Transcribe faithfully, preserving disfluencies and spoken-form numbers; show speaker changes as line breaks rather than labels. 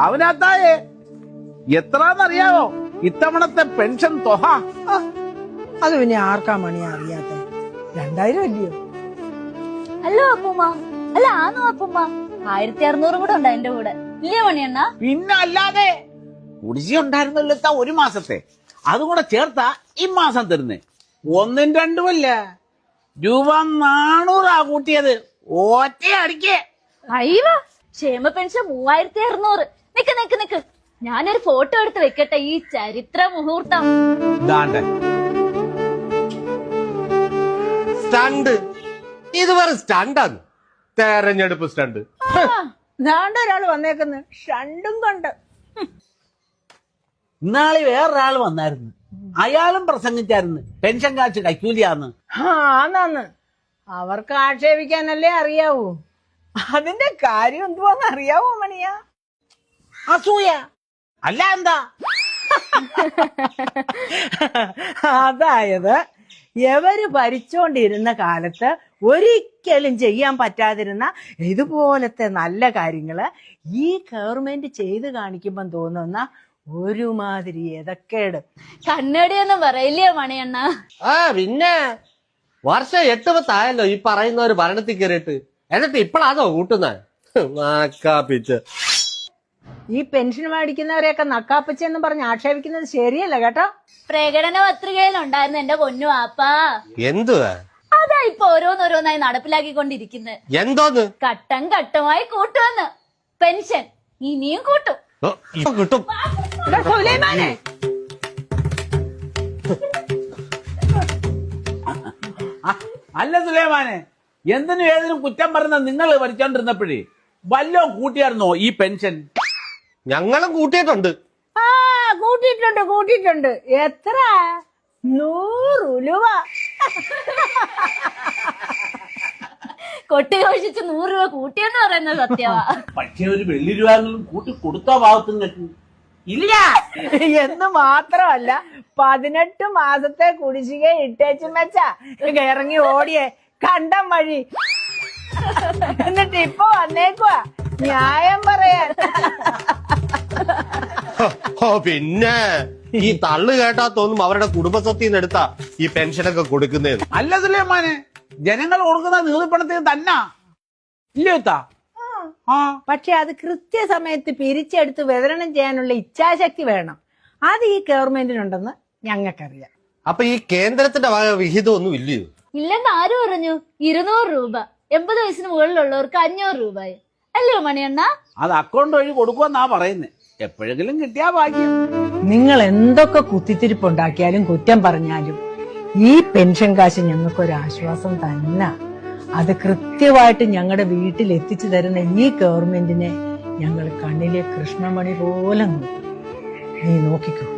അവനകത്തായേ എത്രാന്നറിയാവോ ഇത്തവണത്തെ പെൻഷൻ തുക?
അത് പിന്നെ ആർക്കാ മണി അറിയാത്ത? രണ്ടായിരം അല്ലയോ?
അല്ലോ അപ്പൂമ്മ, അല്ല ആന്നോ അപ്പൂമ്മ, ആയിരത്തി അറുന്നൂറും കൂടെ ഉണ്ട് എന്റെ കൂടെ, ഇല്ലേ മണിയണ്ണ?
പിന്നെ അല്ലാതെ കുടിശ്ശി ഉണ്ടായിരുന്നല്ലോ ഒരു മാസത്തെ, അതും കൂടെ ചേർത്താ ഈ മാസം തരുന്നേ. ഒന്നും രണ്ടുമല്ല, രൂപ നാണൂറാ കൂട്ടിയത് ഒറ്റ അടിക്കേ.
അയ്യോ, ക്ഷേമ പെൻഷൻ മൂവായിരത്തി അറുന്നൂറ്. നിക്ക് നിക്ക് നിക്ക്, ഞാനൊരു ഫോട്ടോ എടുത്ത് വെക്കട്ടെ ഈ ചരിത്ര മുഹൂർത്തം.
സ്റ്റണ്ട്, ഇത് വേറെ സ്റ്റണ്ടാണ്, തെരഞ്ഞെടുപ്പ് സ്റ്റണ്ട്.
ഒരാള് വന്നേക്കുന്നു ഷണ്ടും കൊണ്ട്.
ഇന്നാളി വേറൊരാള് വന്നായിരുന്നു, അയാളും പ്രസംഗിച്ചായിരുന്നു പെൻഷൻ കാശ് കൈക്കൂലിയാന്ന്.
ആന്നാന്ന്, അവർക്ക് ആക്ഷേപിക്കാനല്ലേ അറിയാവൂ. അതിന്റെ കാര്യം എന്തുവാന്ന് അറിയാവോ മണിയാ?
അസൂയ അല്ല എന്താ?
അതായത് എവര് ഭരിച്ചോണ്ടിരുന്ന കാലത്ത് ഒരിക്കലും ചെയ്യാൻ പറ്റാതിരുന്ന ഇതുപോലത്തെ നല്ല കാര്യങ്ങള് ഈ ഗവൺമെന്റ് ചെയ്ത് കാണിക്കുമ്പോ തോന്നുന്ന ഒരുമാതിരി എതക്കേട്.
കണ്ണടിയൊന്നും പറയില്ലേ മണിയണ്ണ?
ആ പിന്നെ വർഷം എട്ട് പത്തായല്ലോ ഈ പറയുന്ന ഒരു ഭരണത്തിൽ കയറിയിട്ട്, എന്നിട്ട് ഇപ്പഴാണോ കൂട്ടുന്നത്? നക്കാപ്പിച്ച്
ഈ പെൻഷൻ മേടിക്കുന്നവരെയൊക്കെ നക്കാപ്പിച്ചെന്ന് പറഞ്ഞ് ആക്ഷേപിക്കുന്നത് ശരിയല്ല കേട്ടോ.
പ്രകടന പത്രികയിലുണ്ടായിരുന്നു എന്റെ പൊന്നു ആപ്പാ.
എന്തുവാ
അതാ ഇപ്പൊ ഓരോന്നോരോന്നായി നടപ്പിലാക്കിക്കൊണ്ടിരിക്കുന്നത്.
എന്തോന്ന്?
ഘട്ടം ഘട്ടമായി കൂട്ടുമെന്ന് പെൻഷൻ ഇനിയും കൂട്ടും.
ഇപ്പൊ കിട്ടും.
സുലൈമാനെ,
അല്ല സുലൈമാനെ, എന്തിനും ഏതിനും കുറ്റം പറഞ്ഞ നിങ്ങൾ ഭരിച്ചോണ്ടിരുന്നപ്പോഴേ വല്ലോ കൂട്ടിയായിരുന്നോ ഈ പെൻഷൻ?
ഞങ്ങളും കൂട്ടിയിട്ടുണ്ട്.
ആ കൂട്ടിയിട്ടുണ്ട് കൂട്ടിയിട്ടുണ്ട്. എത്ര? നൂറ് രൂപ.
കൊട്ടി ഘോഷിച്ച് നൂറ് രൂപ കൂട്ടിയെന്ന് പറയുന്നത് സത്യമാ.
പക്ഷെ ഒരു വെള്ളി രൂപകളും കൂട്ടി കൊടുത്തോ ഭാഗത്തും ഇല്ല
എന്ന് മാത്രമല്ല, പതിനെട്ട് മാസത്തെ കുടിശ്ശിക ഇട്ടേച്ചും വെച്ചാ ഇറങ്ങി ഓടിയേ കണ്ടം വഴി. എന്നിട്ട് ഇപ്പൊ വന്നേക്കുവാ ന്യായം പറയാൻ.
ഓ പിന്നെ ഈ തള്ളു കേട്ടാ തോന്നും അവരുടെ കുടുംബസ്വത്തിൽ നിന്ന് എടുത്താ ഈ പെൻഷനൊക്കെ കൊടുക്കുന്നേന്ന്.
അല്ല സുലൈമാനെ, ജനങ്ങൾ കൊടുക്കുന്ന നീതിപ്പണത്തിന് തന്നെ ഇല്ലേത്താ.
പക്ഷെ അത് കൃത്യസമയത്ത് പിരിച്ചെടുത്ത് വിതരണം ചെയ്യാനുള്ള ഇച്ഛാശക്തി വേണം. അത് ഈ ഗവൺമെന്റിനുണ്ടെന്ന് ഞങ്ങൾക്കറിയാം.
അപ്പൊ ഈ കേന്ദ്രത്തിന്റെ വക വിഹിതം ഒന്നും ഇല്ലയോ?
ഇല്ലെന്ന് ആര് പറഞ്ഞു? ഇരുന്നൂറ് രൂപ എൺപത് വയസ്സിന് മുകളിലുള്ളവർക്ക് അഞ്ഞൂറ് രൂപ അല്ലയോ മണിയണ്ണ?
അത് അക്കൗണ്ട് വഴി കൊടുക്കുമെന്നാ പറയുന്നേ. എപ്പോഴെങ്കിലും കിട്ടിയാ ഭാഗ്യം.
നിങ്ങൾ എന്തൊക്കെ കുത്തിത്തിരിപ്പുണ്ടാക്കിയാലും കുറ്റം പറഞ്ഞാലും ഈ പെൻഷൻ കാശ് ഞങ്ങൾക്കൊരാശ്വാസം തന്നെ. അത് കൃത്യമായിട്ട് ഞങ്ങളുടെ വീട്ടിൽ എത്തിച്ചു തരുന്ന ഈ ഗവൺമെന്റിനെ ഞങ്ങൾ കണ്ണിലെ കൃഷ്ണമണി പോലെ നോക്കും. നീ നോക്കിക്കോ.